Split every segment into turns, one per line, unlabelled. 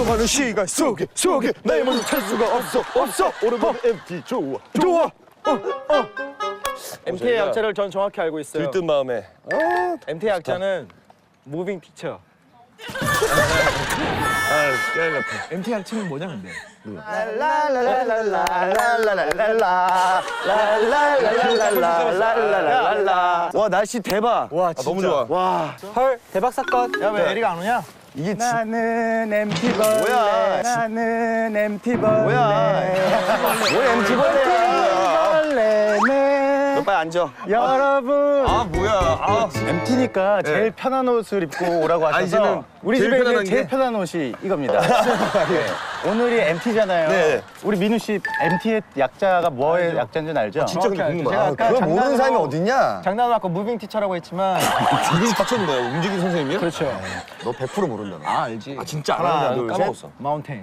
수많은 시간 속에 나의 모습 찾을 수가 없어 오랜만에 MT 좋아
MT의 약자를 전 정확히 알고 있어요.
들뜬 마음에
MT의 약자는 무빙 피처.
MT 약칭은 뭐냐 근데?
와 날씨 대박.
와
너무 좋아
와. 헐 대박 사건. 야 왜 에리가 안 오냐?
이게
나는 MT 벌레.
뭐야?
나는 MT 벌레.
뭐야? 뭘 MT 벌레야
벌레네.
너 빨리 앉아
여러분.
아 뭐야
MT니까 제일 편한 옷을 입고 오라고 하셔서
이제는
우리
제일
집에
편안한
있는 제일
게?
편한 옷이 이겁니다. 네. 오늘이 MT잖아요.
네.
우리 민우 씨 MT의 약자가 뭐의 약자인지 알죠?
진짜 근데 궁금하다.
제가 아까
그걸 모르는 사람이
장난으로-
어딨냐?
장난으로 아까 무빙 티처라고 했지만
이게 닥쳐는 거야 움직이는 선생님이야?
그렇죠.
너 100% 모른다.
아 알지.
아 진짜
하나,
알아
둘,
나 까먹었어
마운테인.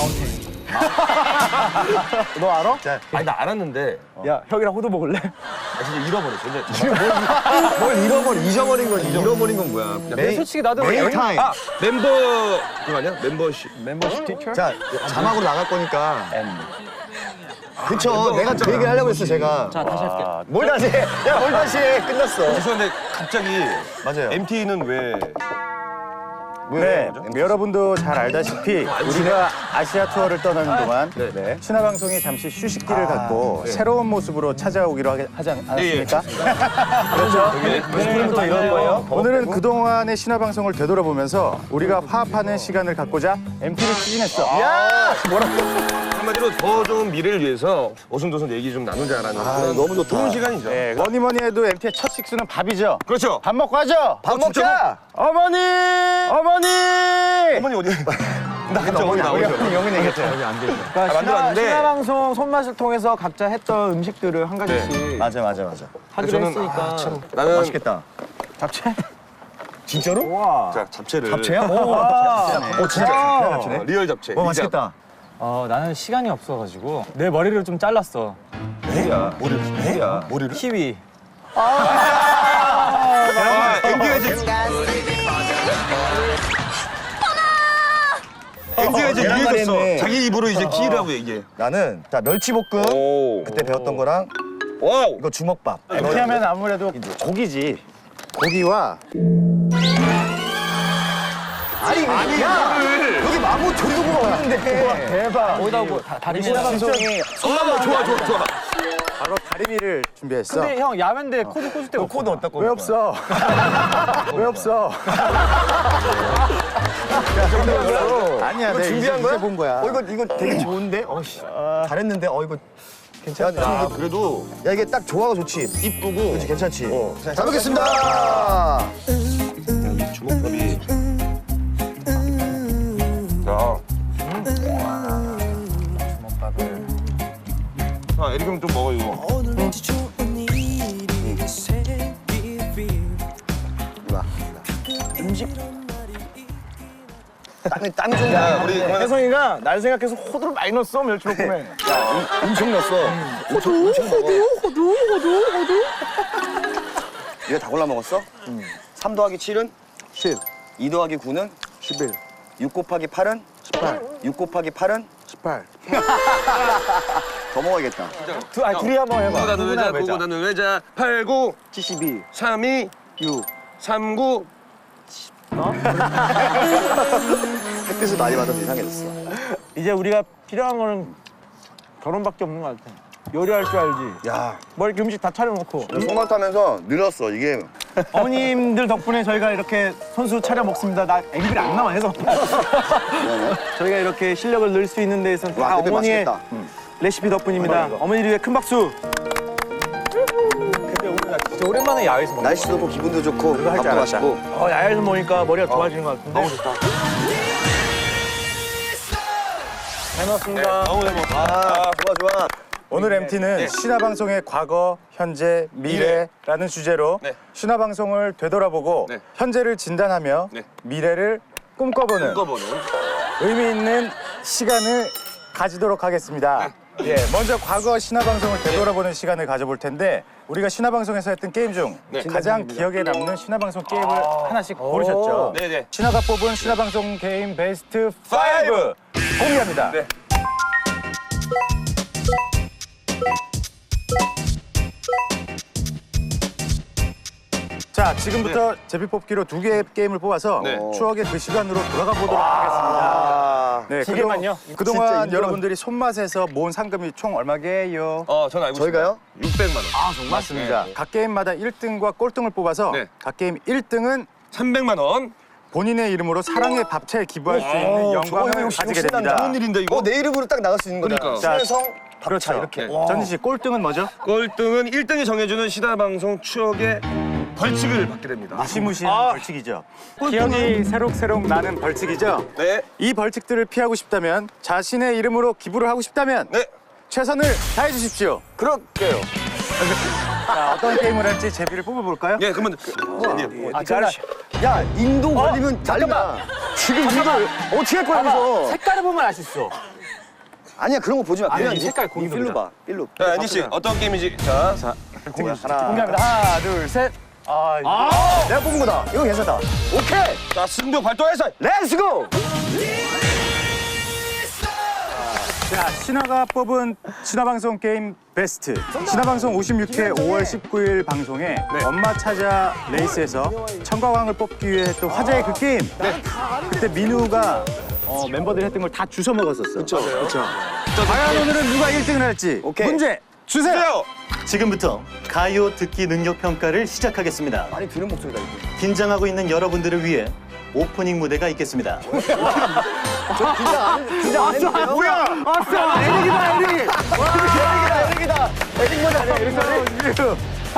너 알아?
아니 나 알았는데
야 형이랑 호두 먹을래?
아 진짜 잃어버렸어 근데
뭘 잊어버린 거지. 잃어버린 건 뭐야?
솔직히 나도
메인 타임.
아 멤버 그거 아니야? 멤버십
멤버십 티처?
자, 자막으로 나갈 거니까. 그쵸, 내가 그 얘기 하려고 했어, 제가.
자 다시 할게.
뭘 다시 해? 야, 뭘 다시 해? 끝났어.
죄송한데 갑자기
맞아요.
MT는 왜
네, 여러분도 잘 알다시피 우리가 아시아 투어를 떠나는 동안
네.
신화 방송이 잠시 휴식기를 갖고 새로운 모습으로 찾아오기로 하지 않았습니까? 그렇죠. 오늘부터 이런 거예요. 오늘은 그동안의 신화 방송을 되돌아보면서 우리가 화합하는 시간을 갖고자 MT를 추진했어.
야!
한마디로 더 좋은 미래를 위해서 오순도순 얘기 좀 나누자라는 그런
너무 좋다.
좋은 시간이죠.
네, 뭐니 해도 MT의 첫 식수는 밥이죠.
그렇죠.
밥 먹고 하죠.
밥
진짜로?
먹자!
어머니!
어머니 어디? 나 갑자기 어머니 나오죠.
영은 얘기했죠.
아, 만들었는데
신화 방송 손맛을 통해서 각자 했던 음식들을 한 가지씩
맞아.
하기로 했으니까.
나는
맛있겠다.
잡채?
진짜로?
와.
자 잡채를
잡채야?
진짜.
잡채. 리얼 잡채.
와, 맛있겠다.
나는 시간이 없어가지고 내 머리를 좀 잘랐어.
야 머리를?
키위.
MT가 이제 MT가 이제
계란말이
유해졌어.
했네.
자기 입으로 이제 키라고 얘기해.
나는, 자, 멸치볶음.
오.
그때 배웠던 거랑,
와우.
이거 주먹밥.
이렇게 하면 아무래도 고기지. 고기와
아니, 야! 여기 마구 조리도구가 없는데.
대박.
거기다 뭐 다리
신화 방송이
좋아.
바로 다리미를 준비했어.
근데 형 야맨데 코드 꽂을 데가 없어.
코드 어디다 꽂을
왜
거야?
없어? 왜 없어? 아니야,
이거
내가
준비한 거야?
이제 본 거야.
이거 되게 좋은데? 잘했는데? 이거 괜찮아.
야 그래도
야, 이게 딱 조화가 좋지.
이쁘고
그렇지, 괜찮지?
잘
잘 먹겠습니다.
이 주먹밥이. 자. 자 에릭 형좀 먹어 이거.
땀이 좀
야
나.
우리 그만.
혜성이가 날 생각해서 호두를 많이 넣었어, 멸치볶음에.
엄청 넣었어. 호두. 이거 다 골라 먹었어? 3 더하기 7은?
10,
2 더하기 9는?
11,
6 곱하기 8은?
18,
6 곱하기 8은?
18.
더 먹어야겠다.
둘이 한번 해봐.
나는 외자 보고 나는 외자 8, 9,
72,
3, 2,
6.
3, 9.
햇빛을 많이 받아서 이상해졌어.
이제 우리가 필요한 거는 결혼밖에 없는 것 같아. 요리할 줄 알지?
야,
뭐 이렇게 음식 다 차려놓고.
손만 타면서 늘었어, 이게.
어머님들 덕분에 저희가 이렇게 손수 차려 먹습니다. 나 앵글이 안 나와 해서. 저희가 이렇게 실력을 늘 수 있는 데에서는 다
와, 대패
어머니의
맛있겠다.
레시피 덕분입니다. 어머니를 위해 큰 박수.
진짜 오랜만에 야외에서 먹는
날씨도 좋고 기분도 좋고
할줄
밥도
알았다.
맛있고.
야외에서 먹으니까 머리가 좋아지는 것 같은데. 너무 좋다. 잘 먹었습니다.
너무 잘 먹었어.
좋아.
오늘 MT는 신화방송의 과거, 현재, 미래라는 주제로
네.
신화방송을 되돌아보고
네.
현재를 진단하며
네.
미래를 꿈꿔보는
묶어보는.
의미 있는 시간을 가지도록 하겠습니다. 예, 먼저 과거 신화방송을 되돌아보는 시간을 가져볼 텐데 우리가 신화방송에서 했던 게임 중 가장 기억에 남는 신화방송 게임을 하나씩 고르셨죠?
네네.
신화가 뽑은 신화방송 게임 베스트 5 공개합니다.
네.
자, 지금부터 제비뽑기로 2개의 게임을 뽑아서
네.
추억의 그 시간으로 돌아가 보도록 하겠습니다. 네,
두 개만요?
그동안 여러분들이 손맛에서 모은 상금이 총 얼마게요?
전 알고
저희가요?
있습니다. 600만 원. 아,
맞습니다. 각 게임마다 1등과 꼴등을 뽑아서
네.
각 게임 1등은
300만 원.
본인의 이름으로 사랑의 밥차에 기부할 수 있는 영광을 가지게 됩니다.
좋은 일인데 이거.
내 이름으로 딱 나갈 수 있는 거잖아.
그러니까.
자,
신혜성
그렇죠.
이렇게.
네.
전진 씨, 꼴등은 뭐죠?
꼴등은 1등이 정해주는 신화방송 추억의 벌칙을 받게 됩니다.
무시무시한 벌칙이죠. 기억이 새록새록 나는 벌칙이죠.
네.
이 벌칙들을 피하고 싶다면 자신의 이름으로 기부를 하고 싶다면
네.
최선을 다해 주십시오.
그럴게요.
자, 어떤 게임을 할지 제비를 뽑아볼까요?
예, 그러면
야, 인도 걸리면 난리나. 지금 이걸 어떻게 할 거야, 그래서.
색깔을 보면 알 수 있어.
아니야, 그런 거 보지 마. 그냥
이 색깔 공유
필로
보자.
봐, 필로.
자, 앤디 씨 어떤 게임인지 자,
공개합니다. 하나, 둘, 셋.
내가 뽑은 거다. 이거 괜찮다. 오케이!
자 승부 발동해서
렛츠고!
자, 신화가 뽑은 신화방송 게임 베스트. 신화방송 56회 5월 19일 방송에 엄마 찾아 레이스에서 청과왕을 뽑기 위해 했던 화제의 그 게임. 그때 민우가 멤버들이 했던 걸 다 주워 먹었었어. 그렇죠. 과연 오늘은 누가 1등을 할지.
오케이.
문제 주세요.
주세요.
지금부터 가요 듣기 능력 평가를 시작하겠습니다.
많이 들은 목소리다, 이거.
긴장하고 있는 여러분들을 위해 오프닝 무대가 있겠습니다.
긴장 안 해도 돼요?
뭐야? 에릭이다, 에릭.
에릭이다. 에릭 먼저 아니야, 에릭.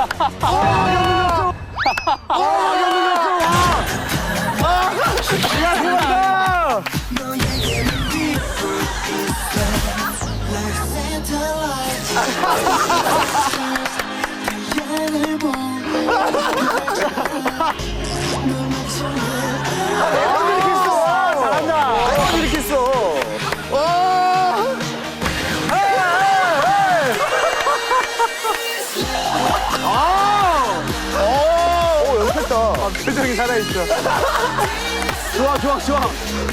잘한다. 이렇게 했어. 연습했다.
표정이 살아있어.
좋아, 좋아, 좋아.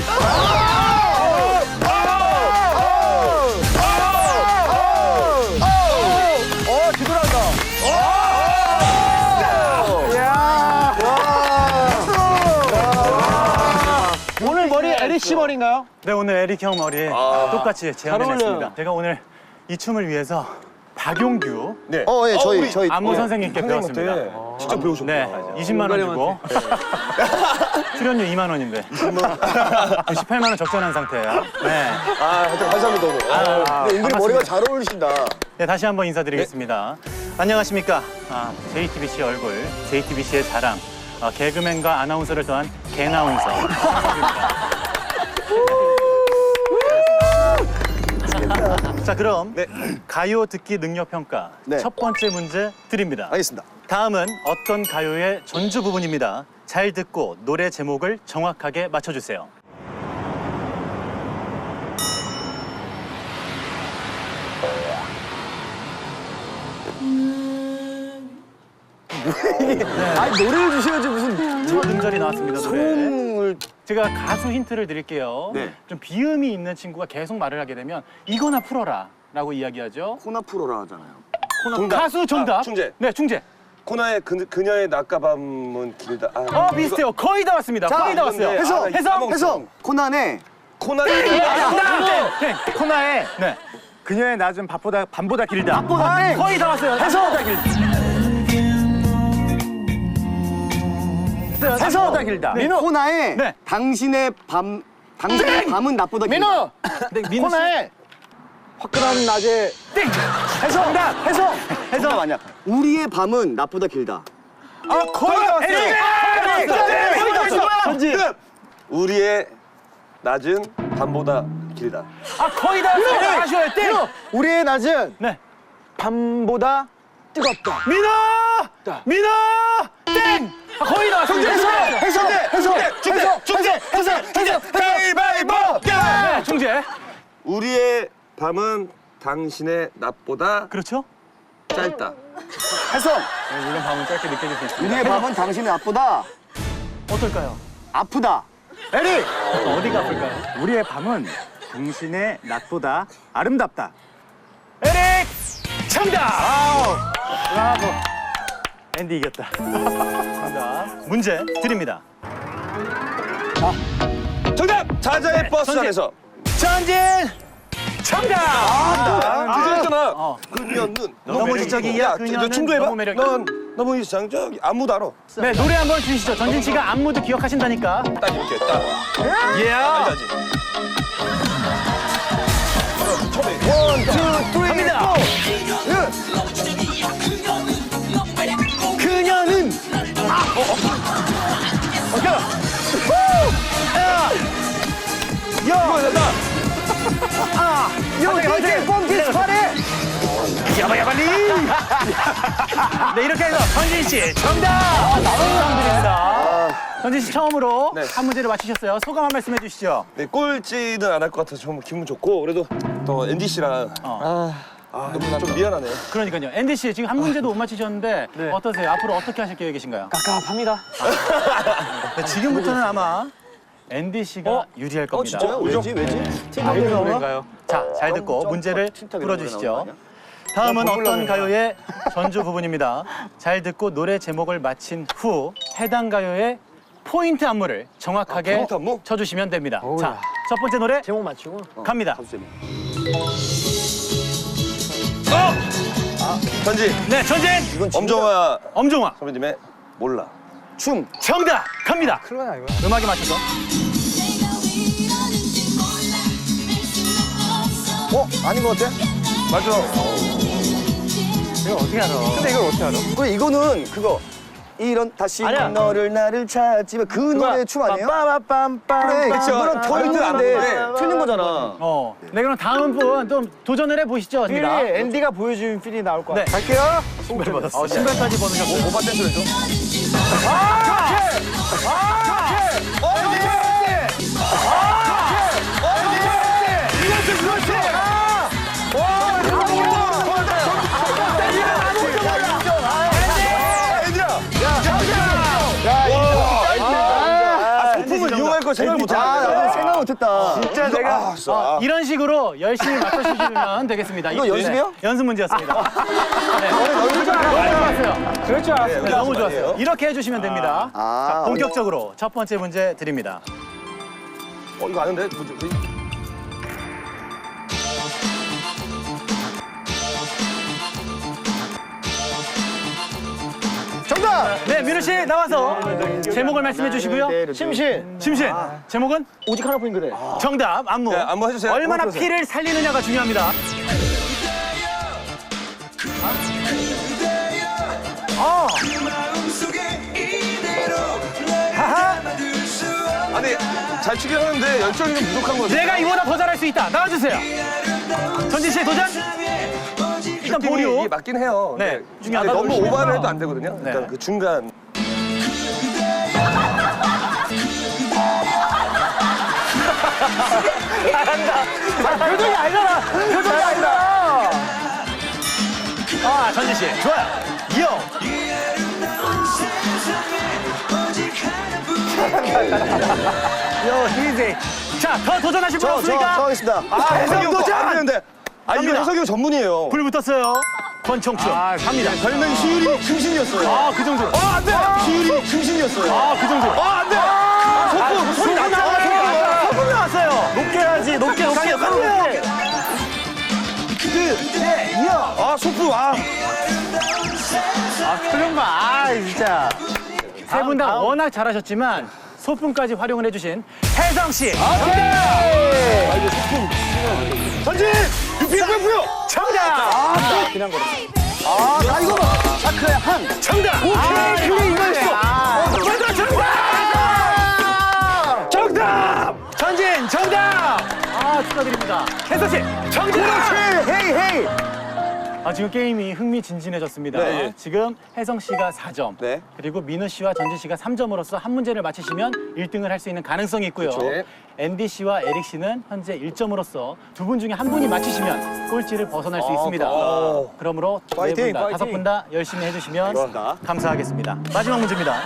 뒤돌아간다.
오늘 머리 에릭 씨 머리인가요?
네, 오늘 에릭 형 머리에 똑같이 제안했습니다. 제가 오늘 이 춤을 위해서 박용규
네.
예, 저희.
안무 선생님께 배웠습니다.
직접 배우셨구나.
네, 20만 원 주고 출연료 2만 원인데 18만 원 적절한 상태예요. 네.
하여튼 감사합니다, 오늘. 근데 은근히 머리가 잘 어울리신다.
네, 다시 한번 인사드리겠습니다. 안녕하십니까. JTBC 얼굴, JTBC의 자랑, 개그맨과 아나운서를 더한 개나운서. 자, 그럼 가요 듣기 능력 평가
네.
첫 번째 문제 드립니다.
알겠습니다.
다음은 어떤 가요의 전주 부분입니다. 잘 듣고 노래 제목을 정확하게 맞춰주세요.
아니, 노래를 주셔야지 무슨
첫 음절이 나왔습니다. 노래.
소음을.
제가 가수 힌트를 드릴게요.
네.
좀 비음이 있는 친구가 계속 말을 하게 되면 이거나 풀어라 라고 이야기하죠.
코나 프로라 하잖아요.
가수 정답.
충재.
네, 충재.
코나의 그녀의 낮과 밤은 길다.
비슷해요. 거의 다 왔습니다. 거의 다 왔어요.
해성. 코난의
코나의
네, 코나의
그녀의 낮은 밤보다 길다.
거의 다 왔어요.
해성보다 길다. 해성보다 길다.
코나의
네.
당신의 밤은 나보다 길다.
민우.
코나의 화끈한 낮에 해성.
해성 아니야. 우리의 밤은 나보다 길다.
거의 다 왔어요.
전지. 우리의 낮은 밤보다 길다.
거의 다 왔어요. 아쉬워요. 땡.
우리의 낮은
네.
밤보다 뜨겁다.
민호! 땡! 거의 다 왔습니다.
충재. 가위바위보.
네, 충재.
우리의 밤은 당신의 낮보다
그렇죠?
짧다.
해성.
이런 밤은 짧게 느껴질 수 있습니다.
우리의 밤은 당신의 앞보다
어떨까요?
아프다.
에릭!
어디가 아플까요?
우리의 밤은 당신의 낮보다 아름답다.
에릭! 정답!
브라보. 앤디 이겼다.
정답. 문제 드립니다.
정답! 자자의
네,
버스
전진.
안에서.
전진! 정답!
주제였잖아.
어.
그녀는
너무 지적이야. 그녀는
충조해봐.
너무 매력.
넌 너무 이상적이 안무도 알아.
네, 노래 한번 주시죠. 전진 씨가 안무도 기억하신다니까.
딱 이렇게 딱.
예.
알지?
원, 투, 쓰리,
갑니다. 그녀는
이거 된다.
이렇게 pompies party.
야바야바리. 네, 이렇게 해서 전진 씨 정답. 축하드립니다. 전진 씨 처음으로
네.
한 문제를 맞히셨어요. 소감 한 말씀 해주시죠.
네, 꼴찌는 안 할 것 같아서 정말 기분 좋고 그래도 또 앤디 씨랑 너무 좀 미안하네요.
그러니까요. 앤디 씨 지금 한 문제도 못 맞히셨는데 어떠세요? 앞으로 어떻게 하실 계획이신가요?
깝깝합니다.
네, 지금부터는 아마 앤디 씨가 유리할 겁니다.
왜지?
노래인가요?
자, 잘 듣고 문제를 풀어주시죠. 다음은 어떤 가요의 전주 부분입니다. 잘 듣고 노래 제목을 맞힌 후 해당 가요의 포인트 안무를 정확하게
포인트 안무?
쳐주시면 됩니다. 자, 첫 번째 노래
제목 맞추고.
갑니다.
전지
네, 전진!
엄정화
엄정화
선배님의 몰라.
춤.
정답! 갑니다.
클로나 이거.
음악에 맞춰서.
아닌 것 같아?
맞아.
이거 어떻게 알아?
근데 이걸 어떻게 알아?
그래 이거는 그거 이런 다시
아니야.
너를 나를 찾지만 그 노래 춤 아니에요?
빰빰빰빰.
그래
그쵸.
그거랑 더
포인트
있는데
안무인데.
틀린 거잖아.
네, 그럼 다음 분 좀 도전을 해보시죠.
필이
입니다.
앤디가 보여준 필이 나올 것
네.
같아.
갈게요.
신발 받았어요. 신발까지 벗으셨어요.
오빠 댄스를 좀. 소품을 이용할 거 생각 못
아,
하네.
나도 생각 못했다.
진짜 내가
이런 식으로 열심히 맞춰주시면 되겠습니다.
이거 연습이요?
연습 문제였습니다. 네. 너무 좋았어요.
그럴 줄 알았어.
네, 너무 좋았어요. 이렇게 해주시면 됩니다.
아,
자, 본격적으로 첫 번째 문제 드립니다.
이거 아는데?
정답.
네, 민우 씨 나와서 제목을 말씀해 주시고요.
심신.
심신, 제목은
오직 하나뿐인 그대.
정답, 안무.
네, 안무 해주세요.
얼마나
해주세요.
피를 살리느냐가 중요합니다.
아니 잘 추긴 하는데 열정이 좀 부족한 거 같아요.
내가 이보다 더 잘할 수 있다. 나와주세요. 전진 씨의 도전. 일단
느낌이
보류.
이게 맞긴 해요.
네,
근데
중요하다.
너무
중요하다.
오버를 해도 안 되거든요. 그러니까
네.
그 중간.
표정이 아니잖아. 표정이 아니다.
아, 전진 씨, 좋아요. 이어.
요 히지.
자, 더 도전하실 분
저
없습니까?
하겠습니다.
아, 해석이 형
도전!
안 되는데. 아, 이거
갑니다.
해석이 형 전문이에요.
불 붙었어요. 권총춤. 갑니다.
별명이 시율이 충신이었어요.
아, 그 정도로.
안 돼! 시율이 충신이었어요.
아, 그 정도로.
안 돼! 소품! 소리 났잖아.
소금 나왔어요.
높게 해야지. 높게 높게. 높게.
아, 소품! 아.
그런 거, 진짜.
세 분 다 워낙 잘하셨지만 소품까지 활용을 해주신 혜성 씨.
전진! 유피부요!
정답.
나 이거 봐. 샤크의 한.
정답.
오케이. 그래 이거였어.
정답. 정답. 정답. 전진 정답. 아, 축하드립니다. 혜성 씨. 정답.
헤이 헤이.
지금 게임이 흥미진진해졌습니다.
네, 예.
지금 혜성 씨가 4점,
네.
그리고 민우 씨와 전진 씨가 3점으로서 한 문제를 맞히시면 1등을 할 수 있는 가능성이 있고요.
그렇죠.
앤디 씨와 에릭 씨는 현재 1점으로서 두 분 중에 한 분이 맞히시면 꼴찌를 벗어날 수 있습니다. 그러므로
파이팅,
네 분 다,
파이팅.
5분 다 열심히 해주시면
알겠습니다.
감사하겠습니다. 마지막 문제입니다.